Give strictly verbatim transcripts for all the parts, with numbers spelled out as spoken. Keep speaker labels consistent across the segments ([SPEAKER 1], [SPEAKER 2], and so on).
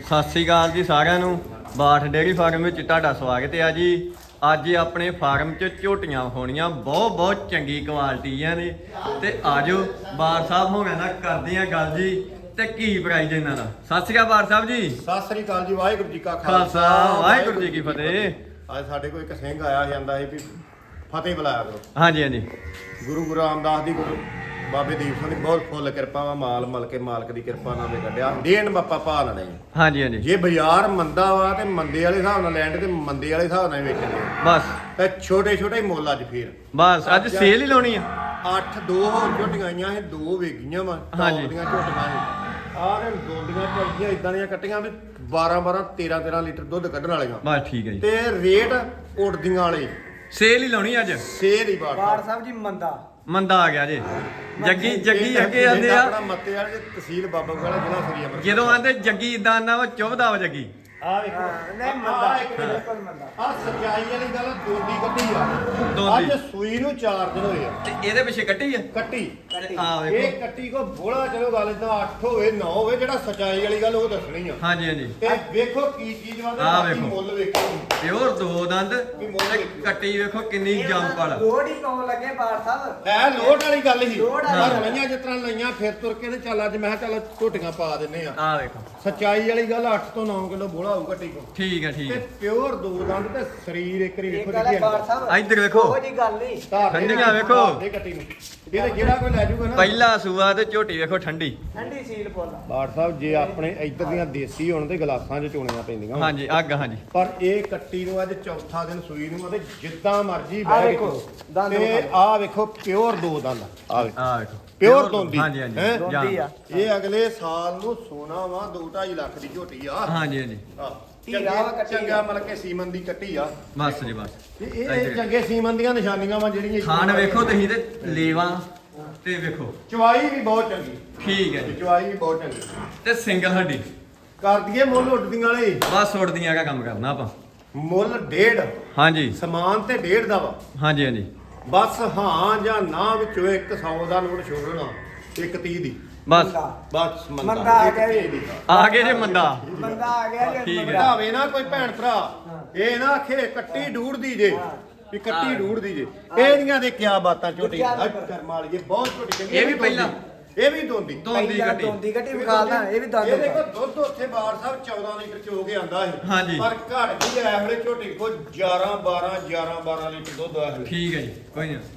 [SPEAKER 1] ਸਤਿ ਸ੍ਰੀ ਅਕਾਲ ਜੀ ਸਾਰਿਆਂ ਨੂੰ। ਬਾਠ ਡੇਅਰੀ ਫਾਰਮ ਵਿੱਚ ਤੁਹਾਡਾ ਸਵਾਗਤ ਹੈ ਜੀ। ਅੱਜ ਆਪਣੇ ਫਾਰਮ 'ਚ ਝੋਟੀਆਂ ਹੋਣੀਆਂ ਬਹੁਤ ਬਹੁਤ ਚੰਗੀ ਕੁਆਲਿਟੀਆਂ ਨੇ ਤੇ ਆਜੋ ਬਾਰ ਸਾਹਿਬ ਹੋਣਾ ਨਾਲ ਕਰਦੇ ਆ ਗੱਲ ਜੀ ਤੇ ਕੀ ਪ੍ਰਾਈਜ਼ ਇਹਨਾਂ ਦਾ। ਸਤਿ ਸ੍ਰੀ ਅਕਾਲ ਬਾਰ ਸਾਹਿਬ ਜੀ।
[SPEAKER 2] ਸਤਿ ਸ੍ਰੀ ਅਕਾਲ ਜੀ। ਵਾਹਿਗੁਰੂ ਜੀ ਕਾ
[SPEAKER 1] ਖਾਲਸਾ ਵਾਹਿਗੁਰੂ ਜੀ ਕੀ ਫਤਿਹ।
[SPEAKER 2] ਅੱਜ ਸਾਡੇ ਕੋਲ ਇੱਕ ਸਿੰਘ ਆਇਆ ਜਾਂਦਾ ਸੀ ਵੀ ਫਤਿਹ ਬੁਲਾਇਆ ਕਰੋ।
[SPEAKER 1] ਹਾਂਜੀ ਹਾਂਜੀ।
[SPEAKER 2] ਗੁਰੂ ਗੁਰੂ ਰਾਮਦਾਸ ਦੀ ਗੁਰੂ ਬਾਬੇ ਦੀਪ ਸਿੰਘ ਦੀ ਬਹੁਤ ਫੁੱਲ ਕਿਰਪਾ ਵਾ। ਮਾਲ ਮਲ ਕੇ ਮਾਲਕ ਦੀ ਕਿਰਪਾ ਨਾਲ ਵੀ ਕੱਢਿਆ ਦੇਣ ਬਾਪਾ ਪਾ ਲੈਣੇ।
[SPEAKER 1] ਹਾਂਜੀ ਹਾਂਜੀ।
[SPEAKER 2] ਜੇ ਬਾਜ਼ਾਰ ਮੰਦਾ ਵਾ ਤੇ ਮੰਦੇ ਵਾਲੇ ਹਿਸਾਬ ਨਾਲ ਲੈਣ ਤੇ ਮੰਦੇ ਵਾਲੇ ਹਿਸਾਬ ਨਾਲ ਵੇਚਣੇ
[SPEAKER 1] ਬਸ
[SPEAKER 2] ਤੇ ਛੋਟੇ ਛੋਟੇ ਮੁੱਲ ਅੱਜ ਫੇਰ
[SPEAKER 1] ਬਸ ਅੱਜ ਸੇਲ ਹੀ ਲਾਉਣੀ ਆ।
[SPEAKER 2] ਅੱਠ ਦੋ ਹੋਰ ਝੋਟੀਆਂ ਆਈਆਂ ਸੀ, ਦੋ ਵੇਗੀਆਂ ਵਾ
[SPEAKER 1] ਹਾਂਜੀ।
[SPEAKER 2] ਦੀਆਂ ਝੋਟੀਆਂ ਸੀ ਆਹ ਨੇ ਦੋਂਦੀਆਂ ਚੱਲਦੀਆਂ ਇਦਾਂ ਦੀਆਂ ਕੱਟੀਆਂ ਵੀ ਬਾਰਾਂ ਬਾਰਾਂ ਤੇਰਾਂ ਤੇਰਾਂ ਲੀਟਰ ਦੁੱਧ ਕੱਢਣ ਵਾਲੀਆਂ।
[SPEAKER 1] ਬਸ ਠੀਕ ਹੈ ਜੀ।
[SPEAKER 2] ਤੇ ਰੇਟ ਉੜਦੀਆਂ ਵਾਲੇ
[SPEAKER 1] ਸੇਲ ਹੀ ਲਾਉਣੀ ਅੱਜ।
[SPEAKER 2] ਸੇਲ ਹੀ ਬਾੜ
[SPEAKER 3] ਬਾੜ ਸਾਹਿਬ ਜੀ ਮੰਦਾ
[SPEAKER 1] ਮੰਦਾ ਆ ਗਿਆ ਜੀ। ਜੱਗੀ ਜੱਗੀ ਅੱਗੇ ਆਂਦੇ ਆ
[SPEAKER 2] ਆਪਣਾ ਮੱਤੇ ਵਾਲੇ ਦੇ ਤਹਿਸੀਲ ਬਾਬਾ ਵਾਲਾ ਜ਼ਿਲ੍ਹਾ ਸ੍ਰੀ ਅੰਮ੍ਰਿਤਸਰ।
[SPEAKER 1] ਜਦੋਂ ਆਂਦੇ ਜੱਗੀ ਇਦਾਂ ਆਨਾ ਵਾ ਚੁੱਭਦਾ ਵਾ ਜੱਗੀ।
[SPEAKER 2] ਆ ਵੇਖੋ
[SPEAKER 3] ਨਹੀਂ ਮੰਦਾ ਬਿਲਕੁਲ ਮੰਦਾ।
[SPEAKER 2] ਆ ਸੱਚਾਈ ਵਾਲੀ ਗੱਲ ਦੋਂਦੀ ਕੱਟੀ ਆ।
[SPEAKER 1] ਦੋਂਦੀ।
[SPEAKER 2] ਅੱਜ ਸੂਈ ਨੂੰ ਚਾਰ ਦਿਨ ਹੋਏ ਆ
[SPEAKER 1] ਤੇ ਇਹਦੇ ਪਿੱਛੇ ਕੱਟੀ ਆ।
[SPEAKER 2] ਕੱਟੀ
[SPEAKER 1] ਆ ਵੇਖੋ।
[SPEAKER 2] ਇਹ ਕੱਟੀ ਕੋ ਬੋਲਾ ਚਲੋ ਗੱਲ ਇਦਾਂ ਅੱਠ ਹੋਵੇ ਨੌ ਹੋਵੇ ਜਿਹੜਾ ਸੱਚਾਈ ਵਾਲੀ ਗੱਲ ਉਹ ਦੱਸਣੀ ਆ।
[SPEAKER 1] ਹਾਂਜੀ ਹਾਂਜੀ।
[SPEAKER 2] ਤੇ ਵੇਖੋ ਕੀ ਚੀਜ਼ ਵਾ ਤੇ
[SPEAKER 1] ਆਹ
[SPEAKER 2] ਬਾਕੀ
[SPEAKER 1] ਵੇਖੋ।
[SPEAKER 2] ਮੁੱਲ ਵੇਖੋ।
[SPEAKER 1] ਪਿਓਰ ਦੋ ਦੰਦ ਤੇ ਕੱਟੀ ਵੇਖੋ ਕਿੰਨੀ ਜੰਪਲ।
[SPEAKER 3] ਲੋੜ ਹੀ ਪਾਉਣ ਲੱਗੇ ਬਾੜ ਸਾਹਿਬ।
[SPEAKER 2] ਹੈ ਲੋਟ ਵਾਲੀ ਗੱਲ ਸੀ।
[SPEAKER 3] ਲੋਟ
[SPEAKER 2] ਪਰ
[SPEAKER 3] ਵਾਲੀ।
[SPEAKER 2] ਲਈਆਂ ਜਿਸ ਤਰ੍ਹਾਂ ਲਈਆਂ ਫਿਰ ਤੁਰ ਕੇ ਤੇ ਚੱਲ ਅੱਜ ਮੈਂ ਕਿਹਾ ਚੱਲ ਝੋਟੀਆਂ ਪਾ ਦਿੰਨੇ ਆ।
[SPEAKER 1] ਆ ਵੇਖੋ।
[SPEAKER 2] ਸੱਚਾਈ ਵਾਲੀ ਗੱਲ ਅੱਠ ਤੋਂ ਨੌ ਕਿਲੋ ਬੋਲਾ ਹੋਊ ਕੱਟੀ ਕੋ।
[SPEAKER 1] ਠੀਕ ਹੈ ਠੀਕ
[SPEAKER 2] ਤੇ
[SPEAKER 1] ਹੈ।
[SPEAKER 2] ਪਿਓਰ ਦੋ ਦੰਦ ਤੇ ਸਰੀਰ ਇੱਕ ਰੀ
[SPEAKER 3] ਇਹ
[SPEAKER 2] ਵੇਖੋ
[SPEAKER 3] ਗੱਲ ਹੈ ਬਾੜ ਸਾਹਿਬ।
[SPEAKER 1] ਇੱਧਰ ਵੇਖੋ।
[SPEAKER 3] ਉਹ ਜੀ ਗੱਲ ਨਹੀਂ।
[SPEAKER 1] ਠੰਡੀਆਂ ਵੇਖੋ।
[SPEAKER 2] ਦੇ ਕੱਟੀ ਨੂੰ ਇਹਦੇ ਜਿਹੜਾ ਕੋਈ ਲੈ ਜੂਗਾ ਨਾ।
[SPEAKER 1] ਪਹਿਲਾ ਸੂਆ ਤੇ ਝੋਟੀ ਵੇਖੋ ਠੰਡੀ।
[SPEAKER 3] ਠੰਡੀ ਸੀਲ ਫੁੱਲ।
[SPEAKER 2] ਬਾੜ ਸਾਹਿਬ ਜੇ ਆਪਣੇ ਇੱਧਰ ਦੀਆਂ ਦੇਸੀ ਹੋਣ ਤੇ ਗਲਾਸਾਂ 'ਚ ਚੋਣੀਆਂ ਪੈਂਦੀਆਂ।
[SPEAKER 1] ਹਾਂਜੀ ਅੱਗ ਹਾਂਜੀ।
[SPEAKER 2] ਪਰ ਇਹ ਕੱਟੀ ਨੂੰ ਅੱਜ ਚੌਥਾ ਦਿਨ ਸੂਈ ਨੂੰ ਅਤੇ ਜਿੱਦਾਂ ਮਰਜ਼ੀ
[SPEAKER 3] ਆਹ
[SPEAKER 2] ਬਹਿ
[SPEAKER 3] ਵੇਖੋ,
[SPEAKER 2] ਕੇ
[SPEAKER 3] ਦੰਦ
[SPEAKER 2] ਤੇ
[SPEAKER 3] ਵਿਖਾਓ।
[SPEAKER 2] ਆਹ ਵੇਖੋ ਪਿਓਰ ਦੋ ਦੰਦ ਆ ਵੇਖੋ
[SPEAKER 1] ਆ ਵੇਖੋ।
[SPEAKER 2] ਪਿਓਰ ਦੋਂਦੀ।
[SPEAKER 1] ਹਾਂਜੀ ਹਾਂਜੀ।
[SPEAKER 2] ਹੈਂ?
[SPEAKER 3] ਦੋਂਦੀ ਆ।
[SPEAKER 2] ਇਹ ਅਗਲੇ ਸਾਲ ਨੂੰ ਸੋਨਾ ਵਾ ਦੋ ਢਾਈ ਲੱਖ ਦੀ ਝੋਟੀ ਆ।
[SPEAKER 1] ਹਾਂਜੀ ਹਾਂਜੀ।
[SPEAKER 2] ਆਹ,
[SPEAKER 3] ਹੀਰਾ
[SPEAKER 2] ਚੰਗੇ-
[SPEAKER 3] ਵਾ ਕੱਟੀ
[SPEAKER 2] ਚੰਗਾ
[SPEAKER 3] ਆ।
[SPEAKER 2] ਮਤਲਬ ਕਿ ਸੀਮਨ ਦੀ ਕੱਟੀ ਆ।
[SPEAKER 1] ਬਸ ਜੀ ਬਸ।
[SPEAKER 2] ਤੇ ਇਹ ਇਹ ਚੰਗੇ ਸੀਮਨ ਦੀਆਂ ਨਿਸ਼ਾਨੀਆਂ ਵਾ ਜਿਹੜੀਆਂ
[SPEAKER 1] ਖਾਣ ਵੇਖੋ ਤੁਸੀਂ ਤੇ ਲੇਵਾ ਤੇ ਵੇਖੋ।
[SPEAKER 2] ਚਵਾਈ ਵੀ ਬਹੁਤ ਚੰਗੀ।
[SPEAKER 1] ਠੀਕ ਹੈ ਜੀ।
[SPEAKER 2] ਚਵਾਈ ਵੀ ਬਹੁਤ ਚੰਗੀ।
[SPEAKER 1] ਤੇ ਸਿੰਗਲ ਹੱਡੀ
[SPEAKER 2] ਕਰ ਦਈਏ ਮੁੱਲ ਉੱਡਦੀਆਂ ਵਾਲੇ।
[SPEAKER 1] ਬਸ ਉੜਦੀਆਂ ਦਾ ਕੰਮ ਕਰਨਾ ਆਪਾਂ।
[SPEAKER 2] ਮੁੱਲ ਡੇਢ
[SPEAKER 1] ਹਾਂਜੀ
[SPEAKER 2] ਸਮਾਨ ਤੇ ਡੇਢ ਦਾ ਵਾ।
[SPEAKER 1] ਹਾਂਜੀ ਹਾਂਜੀ।
[SPEAKER 2] ਬਸ ਹਾਂ ਜਾਂ ਨਾ ਵਿੱਚੋਂ ਇੱਕ ਸੌ ਦਾ ਨੋਟ ਛੋੜਨਾ ਇੱਕ ਤੀਹ ਦੀ।
[SPEAKER 1] ਬਸ
[SPEAKER 2] ਬਸ ਮੰਦਾ
[SPEAKER 3] ਮੰਦਾ ਆ
[SPEAKER 2] ਇੱਕ
[SPEAKER 3] ਗਿਆ
[SPEAKER 2] ਤੀਹ
[SPEAKER 3] ਜੀ।
[SPEAKER 2] ਦੀ।
[SPEAKER 1] ਆ ਗਏ ਜੇ ਮੰਦਾ।
[SPEAKER 3] ਮੰਦਾ ਆ ਗਿਆ ਜੀ।
[SPEAKER 1] ਠੀਕ ਹੈ।
[SPEAKER 3] ਮੰਦਾ।
[SPEAKER 2] ਭਾਵੇਂ ਨਾ ਕੋਈ ਭੈਣ ਭਰਾ ਇਹ ਨਾ ਆਖੇ ਕੱਟੀ ਡੂੜ ਦੀ ਜੇ ਵੀ ਕੱਟੀ ਡੂੜ ਦੀ ਜੇ। ਇਹਦੀਆਂ ਦੇ ਕਿਆ ਬਾਤਾਂ ਝੋਟੀ ਕਰਮ ਵਾਲੀ ਬਹੁਤ ਝੋਟੀ ਚੰਗੀ।
[SPEAKER 1] ਇਹ ਵੀ ਪਹਿਲਾਂ
[SPEAKER 2] ਇਹ ਵੀ ਦੋਂਦੀ
[SPEAKER 1] ਦੋਂਦੀ
[SPEAKER 3] ਪਹਿਲਾਂ
[SPEAKER 1] ਕੱਟੀ।
[SPEAKER 3] ਦੋਂਦੀ ਕੱਟੀ ਵਿਖਾਲਦਾ ਇਹ ਵੀ ਦੰਦ।
[SPEAKER 2] ਇਹ ਦੇਖੋ ਦੁੱਧ ਉੱਥੇ ਬਾੜ ਸਾਹਿਬ ਚੌਦਾਂ ਲੀਟਰ ਚੋ ਕੇ ਆਂਦਾ ਸੀ।
[SPEAKER 1] ਹਾਂਜੀ।
[SPEAKER 2] ਪਰ ਘੜ ਗਈ ਐ ਵੇਲੇ ਝੋਟੀ ਕੋ ਗਿਆਰਾਂ ਬਾਰਾਂ ਗਿਆਰਾਂ ਬਾਰਾਂ ਲੀਟਰ ਦੁੱਧ ਆ ਵੇਲੇ।
[SPEAKER 1] ਠੀਕ ਹੈ ਜੀ ਕੋਈ ਨਾ।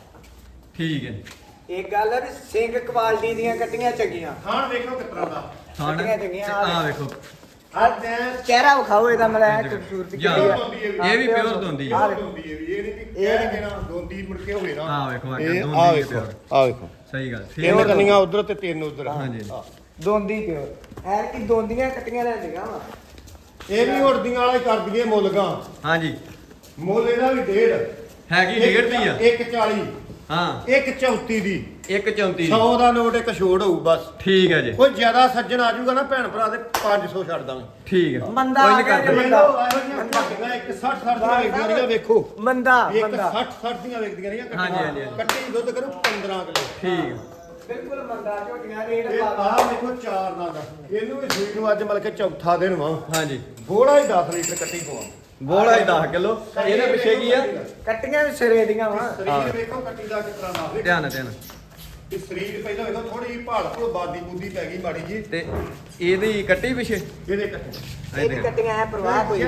[SPEAKER 1] ਠੀਕ ਹੈ।
[SPEAKER 3] ਇਹ ਗੱਲ ਹੈ ਵੀ ਸਿੰਘ ਕੁਆਲਿਟੀ ਦੀਆਂ ਕੱਟੀਆਂ ਚੰਗੀਆਂ।
[SPEAKER 2] ਖਾਣ ਵੇਖੋ ਕਿਸ ਤਰ੍ਹਾਂ ਦਾ।
[SPEAKER 1] ਖਾਣ
[SPEAKER 3] ਕੱਟੀਆਂ ਚੰਗੀਆਂ।
[SPEAKER 1] ਆ ਵੇਖੋ।
[SPEAKER 2] ਅੱਜ
[SPEAKER 3] ਚਿਹਰਾ ਵਿਖਾਓ ਇਹਦਾ ਮਤਲਬ ਖੂਬਸੂਰਤੀ
[SPEAKER 1] ਜਾਂ-
[SPEAKER 3] ਕਿਹੜੀ ਆ।
[SPEAKER 1] ਇਹ ਵੀ ਪਿਓਰ ਦੋਂਦੀ ਆ।
[SPEAKER 3] ਆਹ ਵੇਖੋ।
[SPEAKER 2] ਦੋਂਦੀ ਇਹ ਵੀ ਇਹ ਨਹੀਂ ਕਿ ਕਹਿ ਕੇ ਨਾ ਦੋਂਦੀ ਮੁੜ ਕੇ ਹੋਵੇ ਨਾ।
[SPEAKER 1] ਆਹ ਵੇਖੋ, ਅੱਗੇ
[SPEAKER 2] ਇਹ
[SPEAKER 1] ਦੋਂਦੀ
[SPEAKER 2] ਆਹ
[SPEAKER 1] ਵੀ
[SPEAKER 2] ਵੇਖੋ
[SPEAKER 1] ਪਿਓਰ।
[SPEAKER 2] ਆਹ ਵੇਖੋ
[SPEAKER 1] ਸਹੀ ਗੱਲ।
[SPEAKER 2] ਤਿੰਨ
[SPEAKER 1] ਠੀਕ
[SPEAKER 2] ਕੰਨੀਆਂ ਉਧਰ ਤੇ ਤਿੰਨ ਉਧਰ।
[SPEAKER 1] ਹਾਂਜੀ।
[SPEAKER 3] ਦੋਂਦੀ ਪਿਓਰ। ਐਰ ਕੀ ਦੋਂਦੀਆਂ ਕੱਟੀਆਂ ਲੈਂਦੀਆਂ ਵਾ।
[SPEAKER 2] ਇਹ ਵੀ ਉੜਦੀਆਂ ਵਾਲੇ ਕਰ ਦਈਏ ਮੁੱਲਗਾ।
[SPEAKER 1] ਹਾਂਜੀ।
[SPEAKER 2] ਮੁੱਲ ਇਹਦਾ ਵੀ ਡੇਢ
[SPEAKER 1] ਹੈਗੀ ਡੇਢ ਦੀ ਆ।
[SPEAKER 2] ਇੱਕ ਚਾਲੀ
[SPEAKER 1] ਹਾਂ
[SPEAKER 2] ਇੱਕ ਚੌਂਤੀ ਦੀ
[SPEAKER 1] ਇੱਕ ਚੌਂਤੀ ਦੀ।
[SPEAKER 2] ਸੌ ਦਾ ਨੋਟ ਇੱਕ ਛੋੜ ਹੋਊ ਬਸ।
[SPEAKER 1] ਠੀਕ ਹੈ ਜੀ।
[SPEAKER 2] ਕੋਈ ਜ਼ਿਆਦਾ ਸੱਜਣ ਆ ਜਾਊਗਾ ਨਾ ਭੈਣ ਭਰਾ ਦੇ ਪੰਜ ਸੌ ਛੱਡ ਦਾਂਗੇ।
[SPEAKER 1] ਠੀਕ ਹੈ।
[SPEAKER 3] ਮੰਦਾ
[SPEAKER 1] ਕੋਈ
[SPEAKER 3] ਆ
[SPEAKER 1] ਨਹੀਂ
[SPEAKER 3] ਗਿਆ
[SPEAKER 1] ਕਰਦੇ।
[SPEAKER 3] ਜੀ।
[SPEAKER 2] ਵੇਖ ਲਓ ਇਹੋ ਜਿਹੀਆਂ ਝੋਟੀਆਂ ਇੱਕ ਸੱਠ ਸੱਠ ਦੀਆਂ ਵੇਚਦੀਆਂ ਰਹੀਆਂ ਵੇਖੋ।
[SPEAKER 3] ਮੰਦਾ
[SPEAKER 2] ਇੱਕ
[SPEAKER 3] ਮੰਦਾ।
[SPEAKER 2] ਸੱਠ ਸੱਠ ਦੀਆਂ ਵੇਚਦੀਆਂ ਰਹੀਆਂ
[SPEAKER 1] ਹਾਂਜੀ, ਹਾਂਜੀ,
[SPEAKER 2] ਕੱਟੀ
[SPEAKER 1] ਹਾਂਜੀ।
[SPEAKER 2] ਕੱਟੀ ਦੁੱਧ ਕਰੂ ਪੰਦਰਾਂ ਕਿਲੋ।
[SPEAKER 1] ਠੀਕ ਹੈ।
[SPEAKER 3] ਬਿਲਕੁਲ ਮੰਦਾ ਝੋਟੀਆਂ ਰੇਟ
[SPEAKER 2] ਇਹ
[SPEAKER 3] ਪਾ
[SPEAKER 2] ਆਹ ਵੇਖੋ ਚਾਰ ਦਾ ਦਾ ਇਹਨੂੰ ਵੀ ਸੂਈ ਨੂੰ ਅੱਜ ਮਤਲਬ ਕਿ ਚੌਥਾ ਦਿਨ ਵਾ।
[SPEAKER 1] ਹਾਂਜੀ।
[SPEAKER 2] ਬੋੜਾ ਹੀ ਦਸ ਲੀਟਰ ਕੱਟੀ ਪਵਾ।
[SPEAKER 1] ਬੋਲਾ ਹੀ ਦਸ ਕਿਲੋ। ਇਹਦੇ ਪਿੱਛੇ ਕੀ ਆ?
[SPEAKER 3] ਕੱਟੀਆਂ ਵੀ ਸਿਰੇ ਦੀਆਂ ਵਾ।
[SPEAKER 2] ਸਰੀਰ ਵੇਖੋ ਕੱਟੀ ਦਾ ਕਿਸ ਤਰ੍ਹਾਂ ਦਾ ਵੇਖੋ।
[SPEAKER 1] ਧਿਆਨ ਧਿਆਨ।
[SPEAKER 2] ਇਹ ਸਰੀਰ ਪਹਿਲਾਂ ਵੇਖੋ ਥੋੜੀ ਜਿਹੀ ਭਾਲ ਭੁਲ ਬਾਦੀ ਬੂਦੀ ਪੈ ਗਈ ਮਾੜੀ ਜੀ।
[SPEAKER 1] ਤੇ ਇਹਦੀ ਕੱਟੀ ਪਿੱਛੇ
[SPEAKER 2] ਇਹਦੇ ਕੱਟੀ
[SPEAKER 3] ਇਹ ਵੀ ਕੱਟੀਆਂ ਐ ਪ੍ਰਵਾਹ ਕੋਈ।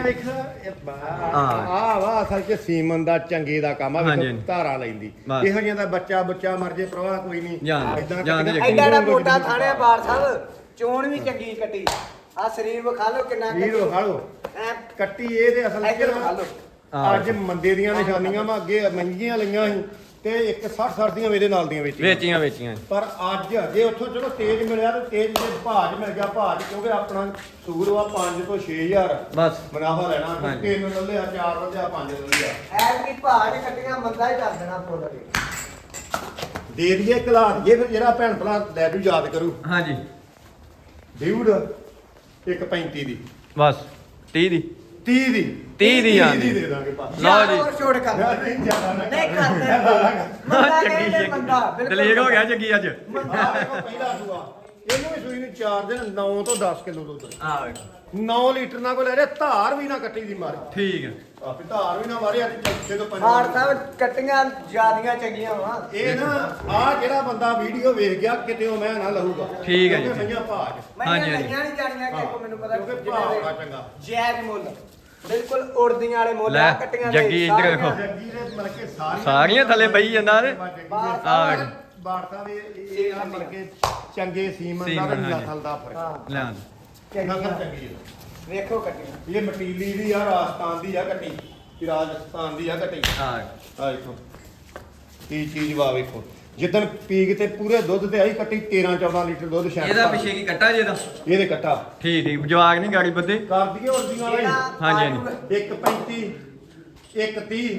[SPEAKER 2] ਆ ਵਾ ਅਸਲ ਚ ਸੀਮਨ ਦਾ ਚੰਗੇ ਦਾ ਕੰਮ ਆ।
[SPEAKER 1] ਹਾਂਜੀ,
[SPEAKER 2] ਵੇਖੋ ਧਾਰਾ ਲੈਂਦੀ
[SPEAKER 1] ਬਸ।
[SPEAKER 2] ਇਹੋ ਜਿਹਾ ਦਾ ਬੱਚਾ ਬੱਚਾ ਮਰ ਜੇ ਪ੍ਰਵਾਹ ਕੋਈ ਨਹੀਂ।
[SPEAKER 1] ਜਾਣ-
[SPEAKER 2] ਏਦਾਂ
[SPEAKER 1] ਜਾਣ ਦੇ
[SPEAKER 2] ਕੱਟੀਆਂ-
[SPEAKER 3] ਐਡਾ ਐਡਾ ਮੋਟਾ ਥਾਣਿਆ ਬਾਰ ਸਾਹਿਬ। ਚੋਣ ਵੀ ਚੰਗੀ ਕੱਟੀ। ਆ ਸਰੀਰ ਵਿਖਾ ਲਓ ਕਿੰਨਾ
[SPEAKER 2] ਵੀਰ ਵਿਖਾ ਲਓ
[SPEAKER 3] ਐ
[SPEAKER 2] ਕੱਟੀ ਇਹਦੇ ਅਸਲ
[SPEAKER 3] ਇੱਧਰ ਵਿਖਾ
[SPEAKER 2] ਚ
[SPEAKER 3] ਲਓ।
[SPEAKER 2] ਅੱਜ ਮੰਦੇ ਦੀਆਂ ਨਿਸ਼ਾਨੀਆਂ ਵਾ। ਅੱਗੇ ਮਹਿੰਗੀਆਂ ਲਈਆਂ ਸੀ ਤੇ ਇੱਕ ਸੱਠ ਸੱਠ ਦੀਆਂ ਮੇਰੇ ਨਾਲ ਦੀਆਂ ਵੇਚੀਆਂ।
[SPEAKER 1] ਵੇਚੀਆਂ ਵੇਚੀਆਂ।
[SPEAKER 2] ਪਰ ਅੱਜ ਜੇ ਉੱਥੋਂ ਚਲੋ ਤੇਜ਼ ਮਿਲਿਆ ਤੇ ਤੇਜ਼ ਦੇ ਭਾਜ ਮਿਲ ਗਿਆ। ਭਾਜ ਕਿਉਂਕਿ ਆਪਣਾ ਸੂਰ ਵਾ ਪੰਜ ਤੋਂ ਛੇ ਹਜ਼ਾਰ
[SPEAKER 1] ਬਸ
[SPEAKER 2] ਮੁਨਾਫਾ ਲੈਣਾ।
[SPEAKER 1] ਹਾਂਜੀ।
[SPEAKER 2] ਤਿੰਨ ਲੈ ਲਿਆ, ਚਾਰ ਲੈ ਲਿਆ, ਪੰਜ ਲੈ ਲਿਆ।
[SPEAKER 3] ਐ ਕੀ ਭਾਜ ਕੱਟੀਆਂ ਮੰਦਾ ਹੀ ਕਰ ਦੇਣਾ ਫੁੱਲ ਕੇ।
[SPEAKER 2] ਦੇ ਦਈਏ ਕਲਾ ਦਈਏ ਫਿਰ ਜਿਹੜਾ ਭੈਣ ਭਰਾ ਲੈ ਜੂ ਯਾਦ ਕਰੂ।
[SPEAKER 1] ਹਾਂਜੀ।
[SPEAKER 2] ਡਿਊਡ ਇੱਕ ਪੈਂਤੀ ਦੀ
[SPEAKER 1] ਬਸ ਤੀਹ ਦੀ।
[SPEAKER 2] ਤੀਹ ਦੀ
[SPEAKER 1] ਤੀਹ ਦੀ
[SPEAKER 2] ਤੀਹ
[SPEAKER 1] ਆਂਦੀ।
[SPEAKER 2] ਦੀ ਦੇ ਦਾਂਗੇ ਪਾ।
[SPEAKER 1] ਲਓ ਜੀ।
[SPEAKER 3] ਹੋਰ ਛੋੜ ਕਰ।
[SPEAKER 2] ਯਾਰ ਨਹੀਂ ਜ਼ਿਆਦਾ ਨਾ
[SPEAKER 3] ਨਹੀਂ ਕਰਦੇ। ਮੰਦਾ
[SPEAKER 1] ਚੰਗੀ
[SPEAKER 3] ਕਹਿੰਦੇ ਮੰਦਾ।
[SPEAKER 1] ਚੰਗੀ। ਦਲੇਰ ਹੋ ਗਿਆ ਜੱਗੀ ਅੱਜ।
[SPEAKER 3] ਮੰਦਾ।
[SPEAKER 2] ਆਹ ਵੇਖੋ ਪਹਿਲਾ ਸੂਆ ਇਹਨੂੰ ਵੀ ਸੂਈ ਨੂੰ ਚਾਰ ਦਿਨ ਨੌ ਤੋਂ ਦਸ ਕਿਲੋ ਦੁੱਧ
[SPEAKER 1] ਆ ਵੇਖੋ
[SPEAKER 2] ਨੌ ਲੀਟਰ ਨਾਲ ਕੋ ਲੈ ਰਿਹਾ ਧਾਰ ਵੀ ਨਾ ਕੱਟੀ ਦੀ ਮਾਰੇ
[SPEAKER 1] ਠੀਕ ਹੈ
[SPEAKER 2] ਆਪੇ ਧਾਰ ਵੀ ਨਾ ਮਾਰੇ ਅੱਜ ਚੌਥੇ ਤੋਂ
[SPEAKER 3] ਹਾਰ
[SPEAKER 2] ਪੰਜਵੇਂ
[SPEAKER 3] ਸਾਹਿਬ ਕੱਟੀਆਂ ਜਿਆਦੀਆਂ ਚੰਗੀਆਂ ਵਾ
[SPEAKER 2] ਇਹ ਨਾ ਆ ਜਿਹੜਾ ਬੰਦਾ ਵੀਡੀਓ ਵੇਖ ਗਿਆ ਕਿਤੇ ਉਹ ਮੈਂ ਨਾ ਲਹੂਗਾ
[SPEAKER 1] ਠੀਕ ਹੈ ਜੀ।
[SPEAKER 2] ਕਿਉਂਕਿ ਮਈਆਂ ਭਾਜ
[SPEAKER 3] ਮੈਂ
[SPEAKER 1] ਹਾਂਜੀ, ਹਾਂਜੀ।
[SPEAKER 3] ਲਈਆਂ ਨਹੀਂ ਜਾਣੀਆਂ ਕਿ ਕੋ ਮੈਨੂੰ ਪਤਾ
[SPEAKER 2] ਕਿਉਂਕਿ
[SPEAKER 3] ਜਿੰਨੇ
[SPEAKER 2] ਭਾਅ
[SPEAKER 3] ਦੇ
[SPEAKER 2] ਬੜਾ ਚੰਗਾ।
[SPEAKER 3] ਜਾਇਜ਼ ਮੁੱਲ ਬਿਲਕੁਲ ਉੜਦੀਆਂ ਵਾਲੇ ਮੁੱਲ
[SPEAKER 1] ਲੈ,
[SPEAKER 3] ਆ ਕੱਟੀਆਂ ਦੇ
[SPEAKER 1] ਜੱਗੀ ਇੱਧਰ
[SPEAKER 3] ਸਾਰੀਆਂ।
[SPEAKER 1] ਵੇਖੋ।
[SPEAKER 2] ਜੱਗੀ ਦੇ ਮਤਲਬ ਕਿ ਸਾਰੀਆਂ
[SPEAKER 1] ਸਾਰੀਆਂ ਥੱਲੇ ਬਈ ਜਾਂਦਾ ਤੇ
[SPEAKER 3] ਬਾਹਰ
[SPEAKER 1] ਆ ਵੇਖੋ
[SPEAKER 2] ਬਾੜਤਾ ਵੀ ਇਹ ਇਹ ਆ ਮਤਲਬ ਕਿ ਚੰਗੇ ਸੀਮਨ ਦਾ
[SPEAKER 1] ਸੀਮਨ,
[SPEAKER 2] ਤੇ
[SPEAKER 1] ਹਾਂਜੀ।
[SPEAKER 2] ਨਸਲ ਦਾ ਫਰਕ
[SPEAKER 3] ਹਾਂ
[SPEAKER 1] ਲੈ ਆਂ
[SPEAKER 2] ਨਸਲ
[SPEAKER 3] ਚੰਗੀਆਂ।
[SPEAKER 2] ਚੰਗੀ ਹੈ
[SPEAKER 3] ਵੇਖੋ ਕੱਟੀਆਂ
[SPEAKER 2] ਇਹ ਮਟੀਲੀ ਦੀ ਆ ਰਾਜਸਥਾਨ ਦੀ ਆ ਕੱਟੀ ਇਹ ਰਾਜਸਥਾਨ ਦੀ ਆ ਕੱਟੀ
[SPEAKER 1] ਆ
[SPEAKER 2] ਆ ਦੇਖੋ ਕੀ ਚੀਜ਼ ਵਾ ਵੇਖੋ ਜਿੱਦਣ ਪੀਕ ਤੇ ਪੂਰੇ ਦੁੱਧ ਤੇ ਆਈ ਕੱਟੀ ਤੇਰਾਂ ਚੌਦਾਂ ਲੀਟਰ ਦੁੱਧ ਸ਼ਾਇਦ
[SPEAKER 1] ਇਹਦਾ ਪਿੱਛੇ ਕੀ ਕੱਟਾ ਜੇ ਦਾ
[SPEAKER 2] ਇਹਦੇ ਕੱਟਾ
[SPEAKER 1] ਠੀਕ ਠੀਕ ਜਵਾਗ ਨਹੀਂ ਗਾੜੀ ਬੱਦੇ
[SPEAKER 2] ਕਰ ਦਈਏ ਉਰਦੀਆਂ ਵਾਲਾ
[SPEAKER 3] ਜਿਹੜਾ
[SPEAKER 1] ਹਾਂਜੀ,
[SPEAKER 3] ਆਲੂ-
[SPEAKER 2] ਇੱਕ ਪੈਂਤੀ ਇੱਕ ਤੀਹ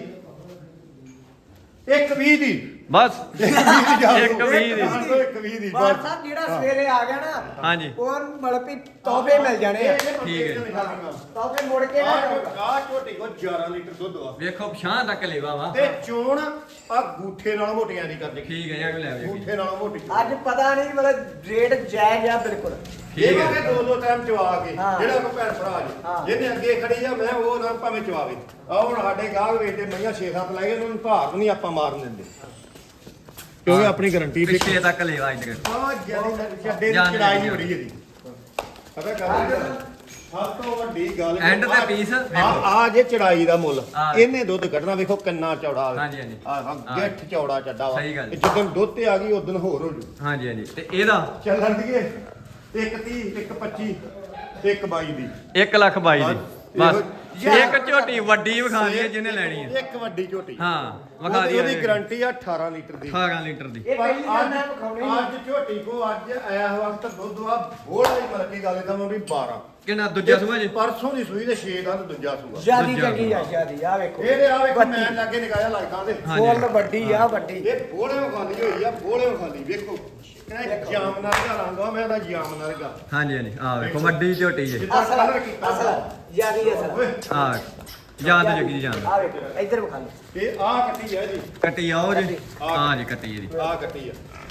[SPEAKER 2] ਇੱਕ ਵੀਹ ਦੀ
[SPEAKER 1] ਬਸ
[SPEAKER 2] ਇੱਕ ਵੀਹ ਦੀ ਜਾ
[SPEAKER 1] ਇੱਕ ਵੀਹ ਦੀ।
[SPEAKER 2] ਇੱਕ ਵੀਹ ਦੀ
[SPEAKER 3] ਬਾਰ
[SPEAKER 2] ਬਸ
[SPEAKER 3] ਸਾਹਿਬ ਜਿਹੜਾ ਸਵੇਰੇ ਆ ਗਿਆ ਨਾ
[SPEAKER 1] ਹਾਂਜੀ
[SPEAKER 3] ਉਹ ਮਤਲਬ ਵੀ ਤੋਹਫੇ ਮਿਲ ਜਾਣੇ ਆ
[SPEAKER 1] ਠੀਕ ਹੈ।
[SPEAKER 3] ਤੋਹਫੇ ਮੁੜ ਕੇ ਨਾ ਜਾਊਗਾ।
[SPEAKER 2] ਆ ਝੋਟੀ ਕੋ ਗਿਆਰਾਂ ਲੀਟਰ ਦੁੱਧ ਵਾ
[SPEAKER 1] ਵੇਖੋ ਪਛਾਂ ਤੱਕ ਲੇਵਾ ਵਾ
[SPEAKER 2] ਤੇ ਚੋਣ ਆ ਗੂਠੇ ਨਾਲ ਮੋਟੀਆਂ ਦੀ ਕਰਦੇ
[SPEAKER 1] ਠੀਕ ਹੈ ਯਾਰ ਲੈ ਆਓ ਜੀ
[SPEAKER 2] ਗੂਠੇ ਨਾਲ ਮੋਟੀ
[SPEAKER 3] ਅੱਜ ਪਤਾ ਨਹੀਂ ਮਤਲਬ ਰੇਟ ਜਾਇਜ਼ ਆ ਬਿਲਕੁਲ
[SPEAKER 1] ਠੀਕ
[SPEAKER 2] ਇਹ
[SPEAKER 1] ਹੈ
[SPEAKER 2] ਕਿ ਦੋ ਦੋ ਟਾਈਮ ਚਵਾ ਕੇ
[SPEAKER 3] ਹਾਂ।
[SPEAKER 2] ਜਿਹੜਾ ਕੋ ਭੈਣ ਭਰਾ
[SPEAKER 3] ਹਾਂ।
[SPEAKER 2] ਜੀ ਜਿਹਨੇ ਅੱਗੇ ਖੜੀ ਆ ਮੈਂ ਉਹ ਨਾ ਭਾਵੇਂ ਚਵਾਵੇ ਆ ਹੁਣ ਸਾਡੇ ਗਾਹਕ ਵੇਚਦੇ ਮਈਆਂ ਛੇ ਸੱਤ ਲੈ ਗਏ ਉਹਨਾਂ ਨੂੰ ਭਾਰ ਨਹੀਂ ਆਪਾਂ ਮਾਰਨ ਦਿੰਦੇ ਕਿਉਂਕਿ ਆਪਣੀ ਗਾਰੰਟੀ ਤੇ
[SPEAKER 1] ਪਿੱਛੇ ਤੱਕ ਲੇਵਾ ਇੱਧਰ
[SPEAKER 2] ਆ ਜਦੀ ਛੱਡੇ ਦੀ
[SPEAKER 1] ਜਾਣ ਦੇ
[SPEAKER 2] ਚੜਾਈ
[SPEAKER 1] ਜਾਣ।
[SPEAKER 2] ਬੜੀ ਇਹਦੀ ਪਤਾ ਗੱਲ ਸਭ ਤੋਂ ਵੱਡੀ ਗੱਲ
[SPEAKER 1] End ਤੇ piece
[SPEAKER 2] ਆ
[SPEAKER 1] ਵੇਖੋ।
[SPEAKER 2] ਆ ਜੇ ਚੜਾਈ ਦਾ ਮੁੱਲ
[SPEAKER 1] ਆ।
[SPEAKER 2] ਇਹਨੇ ਦੁੱਧ ਕੱਢਣਾ ਵੇਖੋ ਕਿੰਨਾ ਚੌੜਾ ਵੇ
[SPEAKER 1] ਹਾਂਜੀ, ਹਾਂਜੀ।
[SPEAKER 2] ਆ
[SPEAKER 1] ਆ।
[SPEAKER 2] ਗਿੱਠ ਚੌੜਾ ਚੱਡਾ ਵਾ
[SPEAKER 1] ਸਹੀ ਗੱਲ।
[SPEAKER 2] ਇਹ ਜਦੋਂ ਦੁੱਧ ਤੇ ਆ ਗਈ ਉਦੋਂ ਹੋਰ ਹੋ ਜੂ
[SPEAKER 1] ਹਾਂਜੀ ਹਾਂਜੀ ਤੇ ਇਹਦਾ
[SPEAKER 2] ਚੱਲਣ ਦੀਏ ਇੱਕ ਤੀਹ ਇੱਕ ਪੱਚੀ ਇੱਕ ਬਾਈ ਦੀ
[SPEAKER 1] ਇੱਕ ਲੱਖ ਬਾਈ ਦੀ ਬਸ
[SPEAKER 2] ਇਹੋ-
[SPEAKER 1] ਇੱਕ ਝੋਟੀ ਵੱਡੀ ਵਿਖਾਣੀ ਹੈ ਜਿਹਨੇ ਲੈਣੀ ਹੈ
[SPEAKER 2] ਇੱਕ ਵੱਡੀ ਝੋਟੀ
[SPEAKER 1] ਹਾਂ ਵਿਖਾ
[SPEAKER 2] ਉਹਦੀ-
[SPEAKER 1] ਦਿਓ
[SPEAKER 2] ਉਹਦੀ ਗਾਰੰਟੀ ਆ ਅਠਾਰਾਂ ਲੀਟਰ ਦੀ
[SPEAKER 1] ਅਠਾਰਾਂ ਲੀਟਰ ਦੀ
[SPEAKER 3] ਇਹ
[SPEAKER 2] ਪਰ
[SPEAKER 3] ਪਹਿਲੀ ਗੱਲ
[SPEAKER 2] ਅੱਜ
[SPEAKER 3] ਮੈਂ ਵਿਖਾਉਣੀ ਆ।
[SPEAKER 2] ਅੱਜ ਝੋਟੀ ਕੋ ਅੱਜ ਆਇਆ ਵਕਤ ਦੁੱਧ ਆ ਬੋੜਾ ਹੀ ਮਤਲਬ ਕੀ ਗੱਲ ਕਰਾਂ ਵੀ ਬਾਰਾਂ
[SPEAKER 1] ਕਿੰਨਾ ਦੂਜਾ ਸੂਆ ਜੀ
[SPEAKER 2] ਪਰਸੋਂ ਦੀ ਸੂਈ ਤੇ ਛੇ ਦਾ ਤੇ ਦੂਜਾ ਸੂਆ
[SPEAKER 3] ਜਿਆਦੀ
[SPEAKER 1] ਦੂਜਾ
[SPEAKER 3] ਚੰਗੀ ਆ ਜਿਆਦੀ ਆ ਵੇਖੋ
[SPEAKER 2] ਇਹਦੇ ਆ ਵੇਖੋ
[SPEAKER 3] ਵੱਡੀ।
[SPEAKER 2] ਮੈਂ ਲਾਗੇ ਨਿਕਾਇਆ ਲੱਗਦਾ ਤੇ
[SPEAKER 1] ਹਾਂਜੀ।
[SPEAKER 3] ਫੁੱਲ ਵੱਡੀ ਆ ਵੱਡੀ
[SPEAKER 2] ਇਹ ਬੋਲੇ ਖਾਲੀ ਹੋਈ ਆ ਬੋਲੇ ਖਾਲੀ ਵੇਖੋ ਇਹ ਜਾਮਨਾ ਦਾ ਰੰਗ ਆ ਮੈਂ ਉਹਦਾ ਜਾਮਨਾ ਦਾ
[SPEAKER 1] ਹਾਂਜੀ ਹਾਂਜੀ ਆ ਵੇਖੋ ਵੱਡੀ ਝੋਟੀ ਜੀ
[SPEAKER 2] ਜਿੱਦਾਂ
[SPEAKER 3] ਅਸਲ
[SPEAKER 2] ਕਲਰ ਕੀਤਾ
[SPEAKER 3] ਅਸਲ ਜਿਆਦੀ ਅਸਲ
[SPEAKER 2] ਓਏ
[SPEAKER 1] ਆ ਜਾਨ ਤੇ ਜੱਗੀ ਦੀ ਜਾਨ
[SPEAKER 3] ਆ ਵੇਖੋ ਇੱਧਰ ਵਿਖਾ ਲਓ
[SPEAKER 2] ਇਹ ਆ ਕੱਟੀ ਆ ਜੀ
[SPEAKER 1] ਕੱਟੀ ਆਓ ਜੀ ਆ ਜੀ ਕੱਟੀ ਇਹਦੀ
[SPEAKER 2] ਆ ਕੱਟੀ ਆ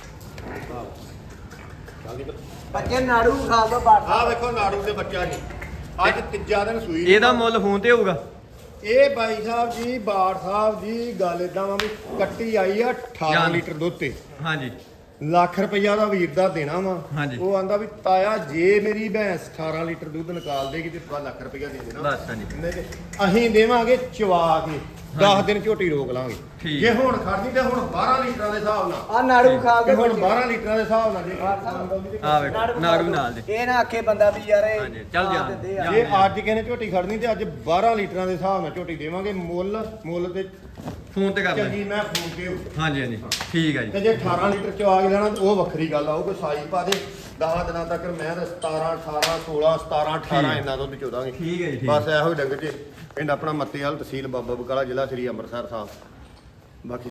[SPEAKER 2] ਆ ਚੱਲਦੀ
[SPEAKER 3] ਬੱਚੇ ਨਾੜੂ ਖਾ ਦੋ ਬਾਟ
[SPEAKER 2] ਆ ਵੇਖੋ ਨਾੜੂ ਦੇ ਬੱਚਾ ਜੀ ਅੱਜ ਤੀਜਾ ਦਿਨ ਸੂਈ
[SPEAKER 1] ਇਹਦਾ ਮੁੱਲ ਫੋਨ ਤੇ ਹੋਊਗਾ
[SPEAKER 2] ਇਹ ਬਾਈ ਸਾਹਿਬ ਜੀ ਬਾੜ ਸਾਹਿਬ ਜੀ ਗੱਲ ਇਦਾਂ ਵਾ ਵੀ ਕੱਟੀ ਆਈ ਆ ਅਠਾਰਾਂ
[SPEAKER 1] ਜਾਨ।
[SPEAKER 2] ਲੀਟਰ ਦੁੱਧ ਤੇ
[SPEAKER 1] ਹਾਂਜੀ
[SPEAKER 2] ਲੱਖ ਰੁਪਈਆ ਦਾ ਵੀਰ ਦਾ ਦੇਣਾ ਵਾ
[SPEAKER 1] ਹਾਂਜੀ।
[SPEAKER 2] ਉਹ ਆਂਦਾ ਵੀ ਤਾਇਆ ਜੇ ਮੇਰੀ ਭੈਂਸ ਅਠਾਰਾਂ ਲੀਟਰ ਦੁੱਧ ਨਿਕਾਲ ਦੇਗੀ ਤੇ ਤੁਹਾਨੂੰ ਲੱਖ ਰੁਪਈਆ ਦੇ ਦੇਣਾ
[SPEAKER 1] ਬਸ ਹਾਂਜੀ
[SPEAKER 2] ਨਹੀਂ ਤੇ ਅਸੀਂ ਦੇਵਾਂਗੇ ਚਵਾ ਕੇ ਦਸ ਦਿਨ ਝੋਟੀ ਰੋਕ ਲਾਂਗੇ
[SPEAKER 1] ਠੀਕ।
[SPEAKER 2] ਜੇ ਹੁਣ ਖੜਨੀ ਤੇ ਹੁਣ ਬਾਰਾਂ ਲੀਟਰਾਂ ਦੇ ਹਿਸਾਬ ਨਾਲ
[SPEAKER 3] ਆ ਨਾੜੂ ਖਾ
[SPEAKER 2] ਤੇ
[SPEAKER 3] ਕੇ
[SPEAKER 2] ਹੁਣ
[SPEAKER 3] ਬੱਚੇ।
[SPEAKER 2] ਬਾਰਾਂ ਲੀਟਰਾਂ ਦੇ ਹਿਸਾਬ ਨਾਲ ਜੇ
[SPEAKER 1] ਆ ਵੇਖੋ ਨਾੜੂ ਨਾਲ ਦੇ
[SPEAKER 3] ਇਹ ਨਾ ਆਖੇ ਬੰਦਾ ਵੀ ਯਾਰ ਇਹ
[SPEAKER 1] ਹਾਂਜੀ, ਚੱਲ
[SPEAKER 3] ਖਾ
[SPEAKER 1] ਜਾ,
[SPEAKER 3] ਦਿੰਦੇ ਆ।
[SPEAKER 1] ਜਾ।
[SPEAKER 2] ਜੇ ਅੱਜ ਕਿਸੇ ਨੇ ਝੋਟੀ ਖੜਨੀ ਤੇ ਅੱਜ ਬਾਰਾਂ ਲੀਟਰਾਂ ਦੇ ਹਿਸਾਬ ਨਾਲ ਝੋਟੀ ਦੇਵਾਂਗੇ ਮੁੱਲ ਮੁੱਲ ਤੇ
[SPEAKER 1] ਫੋਨ ਤੇ ਕਰ ਲੈ
[SPEAKER 2] ਚੰਗੀ ਮੈਂ ਫੋਨ ਤੇ ਹੋਊ।
[SPEAKER 1] ਹਾਂਜੀ ਹਾਂਜੀ ਠੀਕ ਹੈ
[SPEAKER 2] ਤੇ
[SPEAKER 1] ਜੀ
[SPEAKER 2] ਜੇ ਅਠਾਰਾਂ ਲੀਟਰ ਚ ਆ ਕੇ ਲੈਣਾ ਤੇ ਉਹ ਵੱਖਰੀ ਗੱਲ ਆ ਉਹ ਕੋਈ ਸਾਈ ਪਾ ਦੇ ਦਸ ਦਿਨਾਂ ਤੱਕ ਮੈਂ ਤਾਂ ਸਤਾਰਾਂ ਅਠਾਰਾਂ ਸੋਲਾਂ ਸਤਾਰਾਂ ਅਠਾਰਾਂ
[SPEAKER 1] ਠੀਕ।
[SPEAKER 2] ਇੰਨਾ ਦੁੱਧ ਚੋਦਾਂਗੇ
[SPEAKER 1] ਠੀਕ ਹੈ ਜੀ ਠੀਕ
[SPEAKER 2] ਬਸ ਇਹੋ ਹੀ ਡੰਗਰ ਚ ਪਿੰਡ ਆਪਣਾ ਮੱਤੇਵਾਲ ਤਹਿਸੀਲ ਬਾਬਾ ਬਕਾਲਾ ਜ਼ਿਲ੍ਹਾ ਸ੍ਰੀ ਅੰਮ੍ਰਿਤਸਰ ਸਾਹਿਬ ਬਾਕੀ